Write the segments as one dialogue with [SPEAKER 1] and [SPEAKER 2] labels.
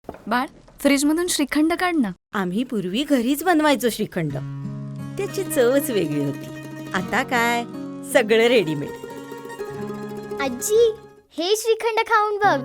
[SPEAKER 1] बाळ, फ्रीजमधून श्रीखंड काढ ना.
[SPEAKER 2] आम्ही पूर्वी घरीच बनवायचो श्रीखंड. त्याची चवच वेगळी होती. आता काय सगळं रेडीमेड.
[SPEAKER 3] आजी, हे श्रीखंड खाऊन बघ.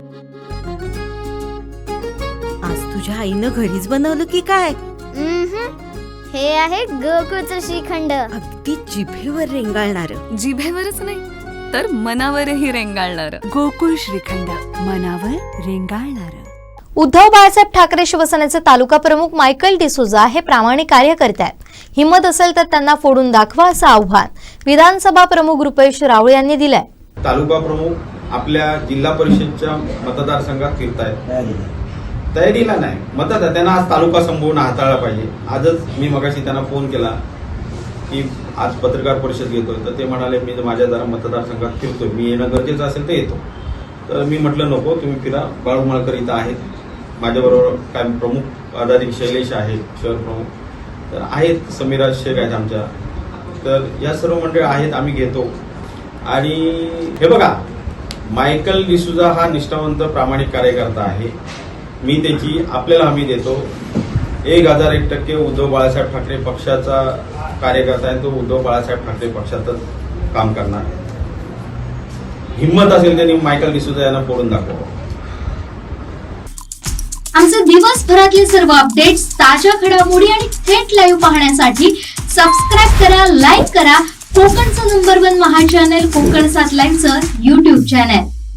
[SPEAKER 2] आज तुझ्या आईनं घरीच बनवलं की काय?
[SPEAKER 3] हे आहे गोकुळचं श्रीखंड.
[SPEAKER 2] अगदी जिभेवर रेंगाळणार.
[SPEAKER 1] जिभेवरच नाही तर मनावरही रेंगाळणार.
[SPEAKER 4] गोकुळ श्रीखंड, मनावर रेंगाळणार.
[SPEAKER 5] उद्धव बाळासाहेब ठाकरे शिवसेनेचे तालुका प्रमुख मायकल डिसोजा हे प्रामाणिक कार्य करतात. हिंमत असेल तर त्यांना फोडून दाखवा असं आव्हान विधानसभा प्रमुख रुपेश रावळे यांनी दिलंय.
[SPEAKER 6] तालुका प्रमुख आपल्या जिल्हा परिषदच्या मतदारसंघात फिरतायत. तयारीला नाही, त्यांना आज तालुका संपवून हाताळला पाहिजे. आजच मी मगाशी त्यांना फोन केला की आज पत्रकार परिषद घेतोय, तर ते म्हणाले मी माझ्या जरा मतदारसंघात फिरतोय, मी येणं गरजेचं असेल तर येतो. तर मी म्हटलं नको, तुम्ही फिरा. बाळू मळकर इथं आहेत, माझ्याबरोबर काय प्रमुख पदाधिकारी शैलेश आहेत, शहर प्रमुख तर आहेत, समीराज शेख आहेत आमच्या. तर या सर्व मंडळी आहेत, आम्ही घेतो. आणि हे बघा, मायकल डिसोजा हा निष्ठावंत प्रामाणिक कार्यकर्ता आहे. मी त्याची आपल्याला हमी देतो. 1001% उद्धव बाळासाहेब ठाकरे पक्षाचा कार्यकर्ता आहे. तो उद्धव बाळासाहेब ठाकरे पक्षातच काम करणार. हिंमत असेल त्यांनी मायकल डिसोजा यांना फोडून दाखवा.
[SPEAKER 7] आमचे दिवसभरातले सर्व अपडेट्स, ताज्या घडामोडी आणि थेट लाईव्ह पाहण्यासाठी सबस्क्राईब करा, लाईक करा कोकणचं नंबर 1 महा चॅनल कोकण 7 लाईव्हचं YouTube चॅनल.